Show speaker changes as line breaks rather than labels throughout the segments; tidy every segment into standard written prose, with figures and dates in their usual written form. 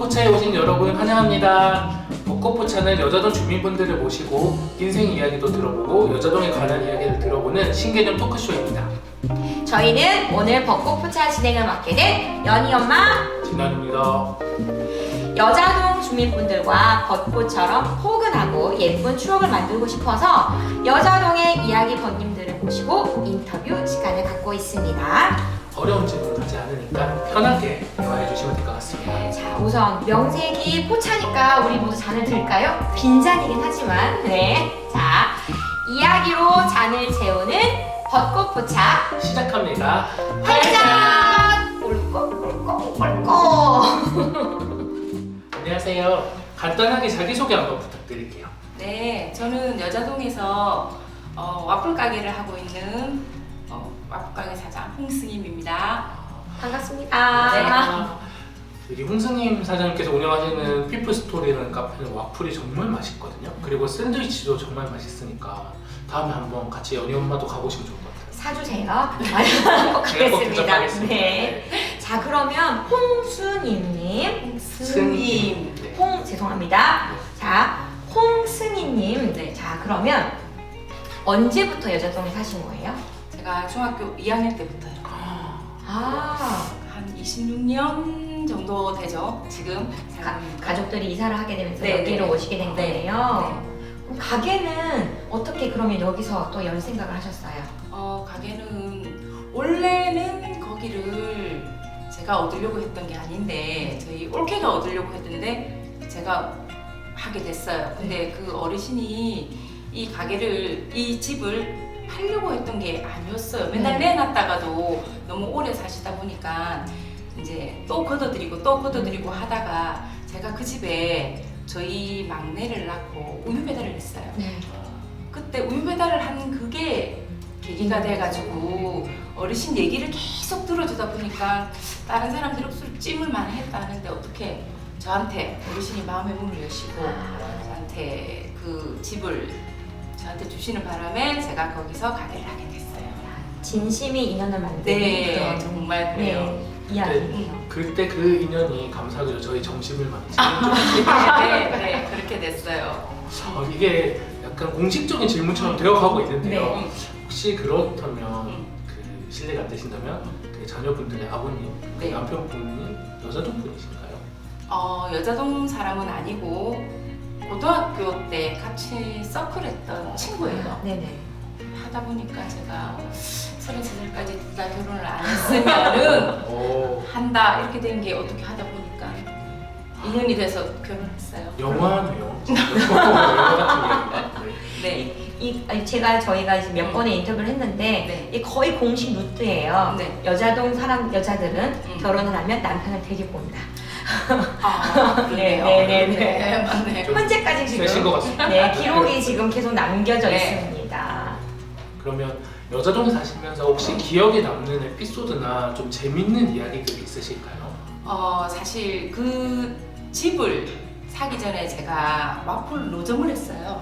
벚꽃포차에 오신 여러분 환영합니다. 벚꽃포차는 여자동 주민분들을 모시고 인생 이야기도 들어보고 여자동에 관한 이야기를 들어보는 신개념 토크쇼입니다.
저희는 오늘 벚꽃포차 진행을 맡게 된 연희 엄마,
진환입니다.
여자동 주민분들과 벚꽃처럼 포근하고 예쁜 추억을 만들고 싶어서 여자동의 이야기 번님들을 모시고 인터뷰 시간을 갖고 있습니다.
어려운 질문 하지 않으니까 편하게 대화해 주시면 될 것 같습니다.
자, 우선 명색이 포차니까 우리 모두 잔을 들까요? 빈잔이긴 하지만 자, 이야기로 잔을 채우는 벚꽃포차
시작합니다.
활짝! 꿀꺽꿀꺽꿀꺽.
안녕하세요. 간단하게 자기소개 한번 부탁드릴게요.
네, 저는 여자동에서 와플 가게를 하고 있는 와플 가게 사장 홍승임입니다.
반갑습니다.
네.
여기 홍승임 사장님께서 운영하시는 피플스토리라는 카페는 와플이 정말 맛있거든요. 그리고 샌드위치도 정말 맛있으니까 다음에 한번 같이 연희 엄마도 가보시면 좋을 것 같아요.
사주세요. 꼭
제가 꼭
하겠습니다.
대접하겠습니다.
네. 자, 그러면 홍순임님,
승임. 네.
죄송합니다. 자, 홍승희님.
네.
자, 그러면 언제부터 여자동에 사신 거예요?
제가 중학교 2학년 때부터요.
아,
한 26년 정도 되죠. 지금
가족들이 이사를 하게 되면서
네,
여기로
네.
오시게 된
네.
거예요. 그럼 가게는 어떻게 그러면 여기서 또 열 생각을 하셨어요?
가게는 원래는 거기를 제가 얻으려고 했던 게 아닌데 저희 올케가 얻으려고 했는데 제가 하게 됐어요. 근데 그 어르신이 이 가게를, 이 집을 팔려고 했던 게 아니었어요. 맨날 내놨다가도 너무 오래 사시다 보니까 이제 또 걷어들이고 하다가 제가 그 집에 저희 막내를 낳고 우유 배달을 했어요.
네.
그때 우유 배달을 한 그게 계기가 돼가지고 어르신 얘기를 계속 들어주다 보니까 다른 사람들이 억수로 찜을 많이 했다 하는데 어떻게 저한테 어르신이 마음의 문을 여시고 저한테 그 집을 저한테 주시는 바람에 제가 거기서 가게를 하게 됐어요.
진심이 인연을 만드는
네,
그런
정말 그래요.
이야기예요.
그때 그 인연이 감사하게도 저희 점심을 많이 챙겨줬어요.
네, 그렇게 됐어요.
이게 약간 공식적인 질문처럼 되어가고 있는데요.
네.
혹시 그렇다면 그 실례가 안 되신다면 그 자녀분들의 아버님, 그
네.
남편분이 여자동 분이신가요?
여자동 사람은 아니고 고등학교 때 같이 서클했던 친구예요.
네네.
하다 보니까 제가 33살까지 둘 다 결혼을 안 했으면은
오,
한다 이렇게 된 게 어떻게 하다 보니까 인연이 돼서 결혼했어요.
영화네요. 영화 같은 이야기가.
네.
저희가 이제 몇 번의 인터뷰를 했는데
네.
이 거의 공식 루트예요.
네.
여자동 여자들은 결혼을 하면 남편을 데리고 온다.
그래요.
네,
맞네.
좀
현재까지
세신 것
지금
같습니다.
네, 기록이 지금 계속 남겨져
네.
있습니다.
그러면 여자동에 사시면서 혹시 기억에 남는 에피소드나 좀 재밌는 이야기들이 있으실까요?
사실 그 집을 사기 전에 제가 와플 노점을 했어요.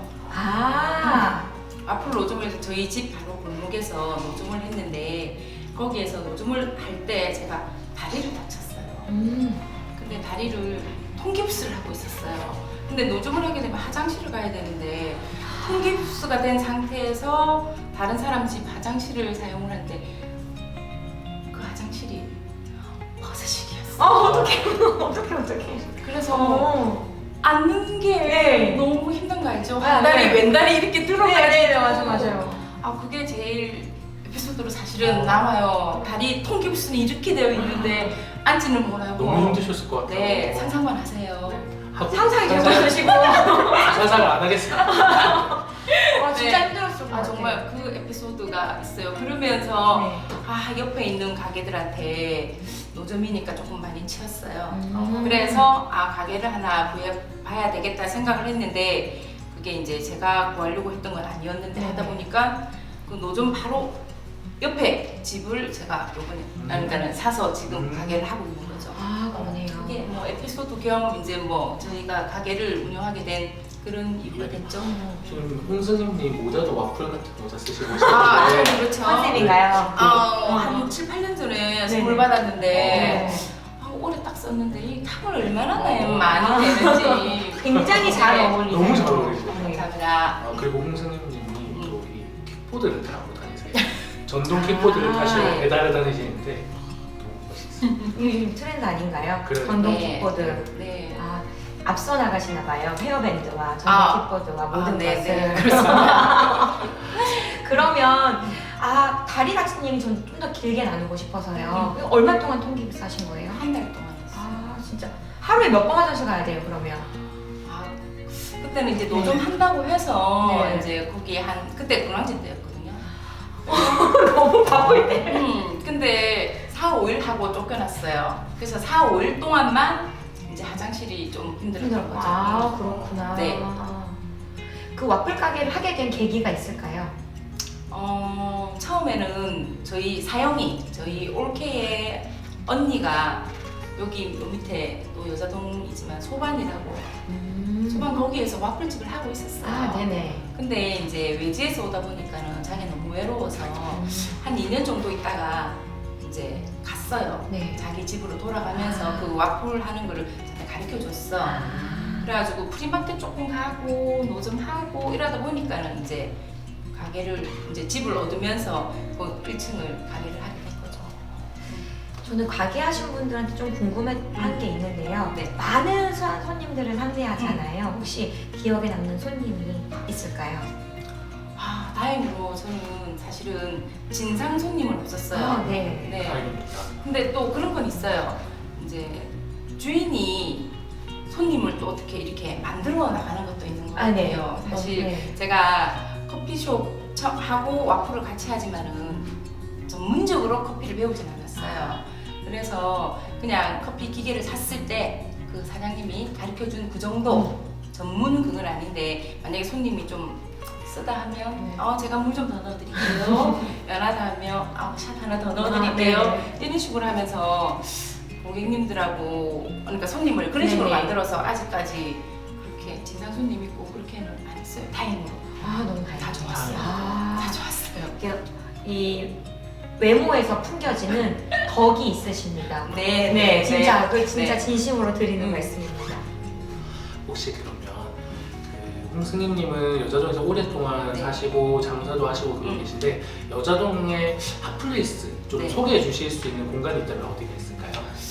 와플 노점을 저희 집 바로 골목에서 노점을 했는데 거기에서 노점을 할 때 제가 다리를 다쳤어요. 근데 다리를 통깁스를 하고 있었어요. 근데 노점을 하게 되면 화장실을 가야 되는데 통깁스가 된 상태에서 다른 사람 집 화장실을 사용을 하는데 그 화장실이 버섯식이었어요.
어떡해.
그래서 앉는 게
네.
너무 힘든 거 알죠?
아,
한 다리
네.
왼다리 이렇게 들어가야
맞아요.
그게 제일 에피소드로 사실은 남아요. 다리 통깁스는 이렇게 되어 있는데 앉지는 못하고
너무 힘드셨을 것 같아요.
네, 상상만 하세요.
상상이 계속 드시고.
상상을 안 하겠습니다.
진짜
네.
힘들었을 것 같아요.
정말 그 에피소드가 있어요. 그러면서
네.
옆에 있는 가게들한테 노점이니까 조금 많이 치였어요.
음.
그래서 가게를 하나 봐야 되겠다 생각을 했는데 그게 이제 제가 구하려고 했던 건 아니었는데
네네.
하다 보니까 그 노점 바로 옆에 집을 제가 요번에 그러니까는 사서 지금 가게를 하고 있는 거죠.
그러네요.
그게 뭐 에피소드 겸 이제 뭐 저희가 가게를 운영하게 된 그런 이유가 됐죠.
지금 홍승임님 모자도 와플 같은 모자 쓰시고
그렇죠.
컨셉인가요?
한 7, 8년 전에 선물 받았는데 오래 딱 썼는데 이 탑을 얼마나 많이 되는지
굉장히 잘
네.
어울리세요.
너무 잘 어울리세요.
네.
감사합니다.
그리고 홍승님이 또 이 킥보드를 타고 다니세요. 전동 킥보드를 타시고
네.
배달을 다니시는데 너무 멋있어요.
요즘 트렌드 아닌가요?
그래요.
전동
네.
킥보드.
네.
아, 앞서 나가시나 봐요. 헤어밴드와 전동 킥보드와 모든
네,
것을.
네, 그렇습니다.
그러면 다리 다친 얘기 전 좀 더 길게 나누고 싶어서요. 얼마 동안 통기부 하신 거예요?
한 달 동안 했어요.
아 진짜 하루에 몇 번 화장실 가야 돼요 그러면?
아, 그때는 이제 노점 한다고 해서
네.
이제 거기 그때 군항제 때였거든요.
너무 바쁠 때.
근데 4, 5일 하고 쫓겨났어요. 그래서 4, 5일 동안만 이제 화장실이 좀 힘들었던 거죠.
아 그렇구나.
네.
그 와플 가게를 하게 된 계기가 있을까요?
처음에는 저희 사영이, 저희 올케의 언니가 여기 요 밑에 또 여자동이지만 소반이라고 소반 거기에서 와플집을 하고 있었어요.
아 네네.
근데 이제 외지에서 오다 보니까는 자기가 너무 외로워서 한 2년 정도 있다가 이제 갔어요.
네.
자기 집으로 돌아가면서 그 와플 하는 거를 저한테 가르쳐 줬어. 그래가지고 프리마켓 조금 가고 노점 하고 이러다 보니까는 이제 가게를 이제 집을 얻으면서 그 1층을 가게를 하게 된 거죠.
저는 가게 하신 분들한테 좀 궁금한 게 있는데요.
네.
많은 손님들을 상대하잖아요. 혹시 기억에 남는 손님이 있을까요?
아, 다행히로 저는 사실은 진상 손님은 없었어요.
네.
네.
다행입니다.
근데 또 그런 건 있어요. 이제 주인이 손님을 또 어떻게 이렇게 만들어 나가는 것도 있는 것 같아요.
네.
사실
네.
제가 커피숍 하고 와플을 같이 하지만은 전문적으로 커피를 배우진 않았어요. 그래서 그냥 커피 기계를 샀을 때 그 사장님이 가르쳐준 그 정도 전문 그건 아닌데 만약에 손님이 좀 쓰다 하면 제가 물 좀 더 넣어드릴게요. 연하다 하면 샷 하나 더 넣어드릴게요. 이런 식으로 하면서 고객님들하고 그러니까 손님을 그런 식으로
네네.
만들어서 아직까지 그렇게 진상 손님 있고 그렇게는 안 했어요. 다행으로.
너무 다행이다.
다 좋았어요. 다 좋았어요.
이렇게 이 외모에서 풍겨지는 덕이 있으십니다.
네,
진짜
네.
진짜
네.
진심으로 드리는 말씀입니다.
혹시 그러면 그 홍승님님은 여자동에서 오랫동안
네.
사시고 장사도 하시고 그러고 계신데 여자동의 핫플레이스 좀
네.
소개해 주실 수 있는 공간이 있다면 어디가 있을까요?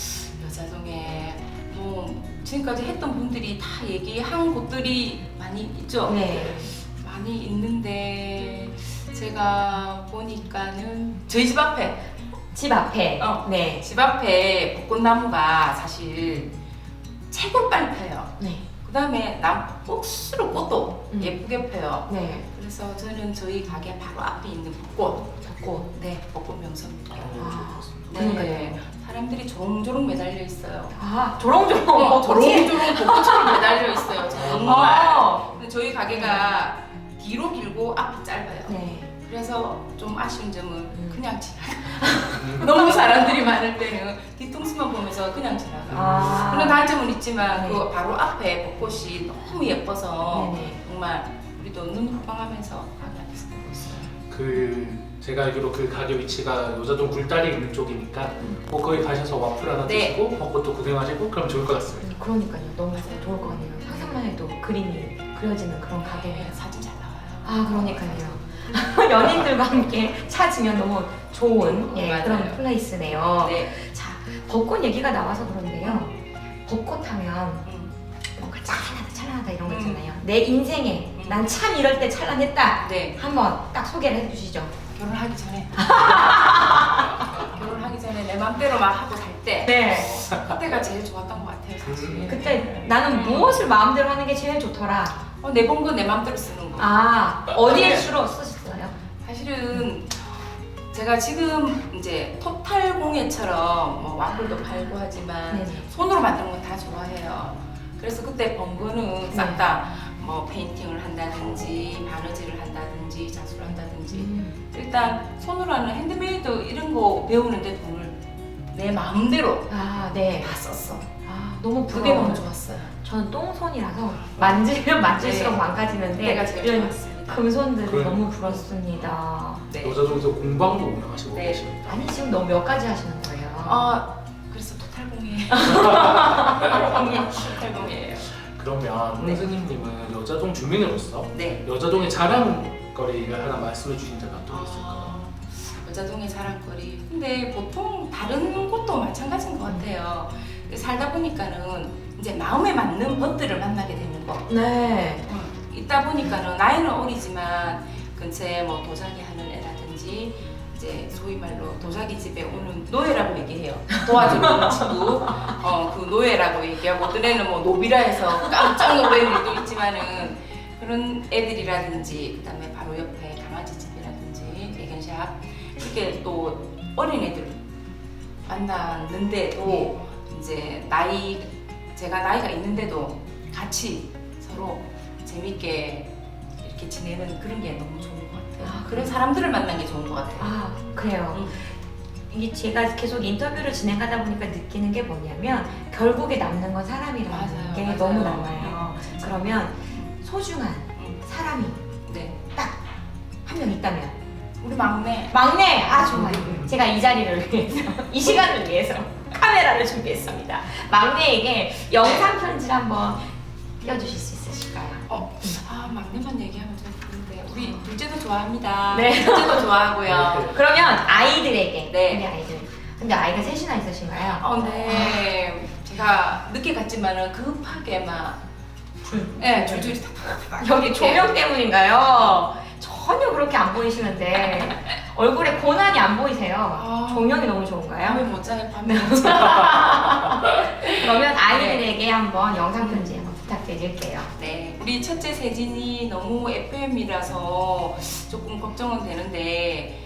여자동에 뭐 지금까지 했던 분들이 다 얘기한 곳들이 많이 있죠.
네.
많이 있는데 제가 보니까는 저희 집 앞에
집 앞에. 네.
집 앞에 벚꽃나무가 사실 최고 빨리 펴요.
네.
그 다음에 억수로 꽃도 예쁘게 펴요.
네.
그래서 저는 저희 가게 바로 앞에 있는 벚꽃,
벚꽃.
네, 벚꽃 명소입니다.
그러니까요.
사람들이 조롱조롱 매달려 있어요.
조롱조롱.
조롱조롱 벚꽃처럼 매달려 있어요. 정말.
어.
근데 저희 가게가 뒤로 길고 앞이 짧아요.
네.
그래서 좀 아쉬운 점은 그냥 지나가. 너무 사람들이 많을 때는 뒤통수만 보면서 그냥 지나가. 그런 단점은 있지만
네.
그 바로 앞에 벚꽃이 너무 예뻐서
네네.
정말 우리도 눈 호강하면서 가게 안에서 보고 있어요.
그 제가 알기로 그 가게 위치가 여자동 굴다리 있는 쪽이니까 뭐 거기 가셔서 와플 하나
네.
드시고 벚꽃도 구경하시고 그럼 좋을 것 같습니다.
그러니까요. 너무 좋을 것 같네요. 상상만 해도 그림이 그려지는 그런 가게네요.
사진 잘 나와요.
그러니까요. 연인들과 함께 찾으면 너무 좋은
맞아요.
그런 플레이스네요.
네.
자, 벚꽃 얘기가 나와서 그런데요. 벚꽃 하면 뭔가 찬란하다 이런 거 있잖아요. 내 인생에 난 참 이럴 때 찬란했다.
네.
한번 딱 소개를 해주시죠.
결혼하기 전에. 결혼하기 전에 내 맘대로 막 하고 살 때.
네.
그때가 제일 좋았던 것 같아요, 사실.
그때 나는 무엇을 마음대로 하는 게 제일 좋더라.
내번 거 내 맘대로 쓰는 거.
어디에 주로 쓰셨어요?
사실은 제가 지금 이제 토탈 공예처럼 뭐 와플도 팔고 하지만
네네.
손으로 만드는 건 다 좋아해요. 그래서 그때 번 거는 싹 다 뭐 페인팅을 한다든지 바느질을 한다든지 자수를 한다든지 일단 손으로 하는 핸드메이드 이런 거 배우는데 돈을 내 마음대로
네.
다 썼어.
너무
그게 너무
부러워요.
좋았어요.
저는 똥손이라서 만지면 만질수록
네.
망가지는데
그때가 제일
이런
좋았습니다.
금손들이
그래.
너무 부럽습니다.
네.
여자동에서 공방도 운영하시고
네.
계십니다.
아니 지금 너무 몇 가지 하시는 거예요?
그래서 토탈 공예 팔공이에요.
그러면
네.
홍승님은 여자동 주민으로서
네.
여자동의 자랑거리를 하나 말씀해 주신다면 어떤 게 있을까요?
여자동의 자랑거리. 근데 보통 다른 곳도 마찬가지인 것 같아요. 살다 보니까는 이제 마음에 맞는 벗들을 만나게 되는 거.
네.
있다 보니까는 나이는 어리지만 근처에 뭐 도자기 하는 애라든지 이제 소위 말로 도자기 집에 오는 노예라고 얘기해요. 도와주는 친구. 그 노예라고 얘기하고 어떤 애는 뭐 노비라 해서 깜짝 놀라는 일도 있지만은 그런 애들이라든지 그다음에 바로 옆에 강아지 집이라든지 애견샵 이렇게 또 어린 애들 만났는데도 이제 제가 나이가 있는데도 같이 서로 재밌게 이렇게 지내는 그런 게 너무 좋은 것 같아요.
아,
그런 사람들을 만난 게 좋은 것 같아요.
아, 그래요.
음.
이게 제가 계속 인터뷰를 진행하다 보니까 느끼는 게 뭐냐면 결국에 남는 건 사람이라는
맞아요,
게
맞아요.
너무 남아요. 그러면 소중한 사람이
네.
한 명 있다면
우리 막내.
막내! 아 좋아요. 제가 이 자리를 위해서 이 시간을 위해서 카메라를 준비했습니다. 막내에게 영상 편지를 한번 띄워주실 수 있으실까요?
막내만 얘기하면 좀 그런데 우리 둘째도 좋아합니다.
네.
둘째도 좋아하고요.
그러면 아이들에게
네.
우리 아이들. 근데 아이가 셋이나 있으신가요?
네. 제가 늦게 갔지만은 급하게 막 줄줄이 탁탁탁
여기
이렇게.
조명 때문인가요? 전혀 그렇게 안 보이시는데 얼굴에 고난이 안 보이세요. 조명이 너무 좋은가요?
밤에 못 자요. 밤에 못 자요.
그러면 아이들에게 한번 영상 편지 한번 부탁드릴게요.
네, 우리 첫째 세진이 너무 FM이라서 조금 걱정은 되는데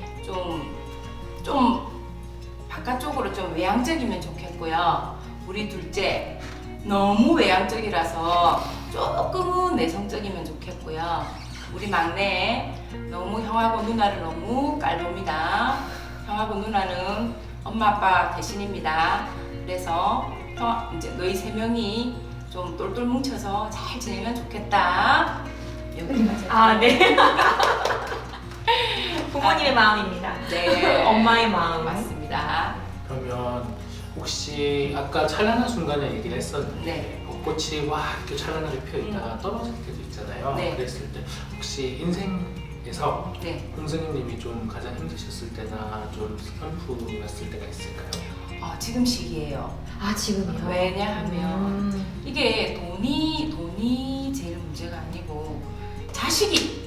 좀 바깥쪽으로 좀 외향적이면 좋겠고요. 우리 둘째 너무 외향적이라서 조금은 내성적이면 좋겠고요. 우리 막내 너무 형하고 누나를 너무 깔봅니다. 형하고 누나는 엄마 아빠 대신입니다. 그래서 이제 너희 세 명이 좀 똘똘 뭉쳐서 잘 지내면 좋겠다. 여기까지.
아, 네. 부모님의 마음입니다.
네.
엄마의 마음.
맞습니다.
그러면 혹시 아까 찬란한 순간에 얘기를 했었는데
네.
벚꽃이 와 이렇게 찬란하게 피어 있다가 떨어질 때도 있잖아요.
네.
그랬을 때 혹시 인생에서
네.
홍승님이 좀 가장 힘드셨을 때나 좀 슬픔이었을 때가 있을까요?
지금 시기예요.
아, 지금이요?
왜냐하면 이게 돈이 제일 문제가 아니고 자식이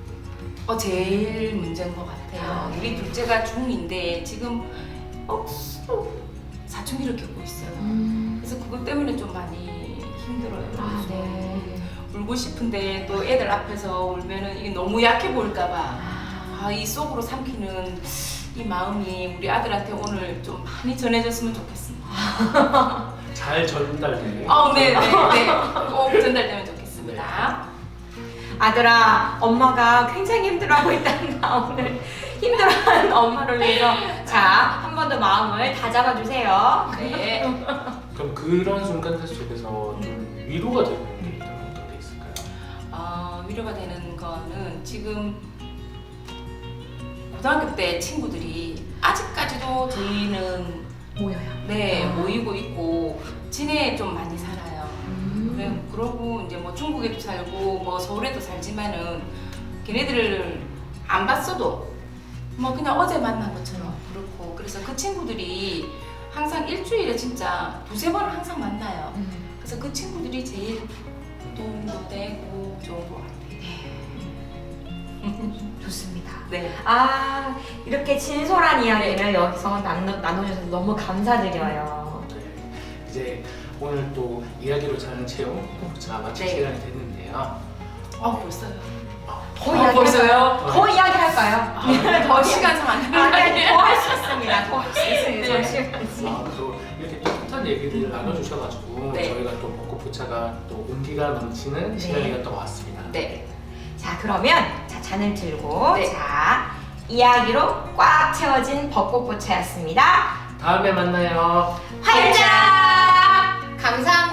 제일 문제인 것 같아요. 우리 둘째가 중2인데 지금 억수로 사춘기를 겪고 있어요. 그래서 그것 때문에 좀 많이 힘들어요.
아, 네.
울고 싶은데 또 애들 앞에서 울면은 이게 너무 약해 보일까봐 이 속으로 삼키는 이 마음이 우리 아들한테 오늘 좀 많이 전해졌으면 좋겠습니다.
잘 전달되게.
네네네. 꼭 전달되면 좋겠습니다.
아들아, 엄마가 굉장히 힘들어하고 있단다. 오늘 힘들어하는 엄마를 위해서 자, 한 번 더 마음을 다잡아 주세요.
네.
그럼 그런 순간들 속에서 좀 위로가 되는 게 있다면 어떤 게 있을까요?
위로가 되는 거는 지금 고등학교 때 친구들이 아직까지도 저희는
모여요.
모이고 있고 진해에 좀 많이 살아요. 그러고 이제 뭐 중국에도 살고 뭐 서울에도 살지만은 걔네들을 안 봤어도 뭐 그냥 어제 만난 것처럼 그렇고 그래서 그 친구들이 항상 일주일에 진짜 두세 번은 항상 만나요. 그래서 그 친구들이 제일 도움도 되고 좋은 것 같아요.
좋습니다.
네.
아, 이렇게 진솔한 이야기를 여기서 나눠주셔서 너무 감사드려요.
네. 이제 오늘 또 이야기로 자는 체험 자 마칠
네.
시간이 됐는데요.
벌써요.
더 이야기
벌써요?
더 이야기할까요?
더 시간상 안
아니, 더 할 수 있습니다. 더 할 수 있습니다.
네.
잠시만요.
또 이렇게 따뜻한 얘기들을 나눠주셔가지고
네.
저희가 또 벚꽃포차가 또 온기가 넘치는 시간이었던 것 같습니다.
네.
자, 그러면 잔을 들고
네.
자, 이야기로 꽉 채워진 벚꽃포차였습니다.
다음에 만나요.
활짝! 감사합니다.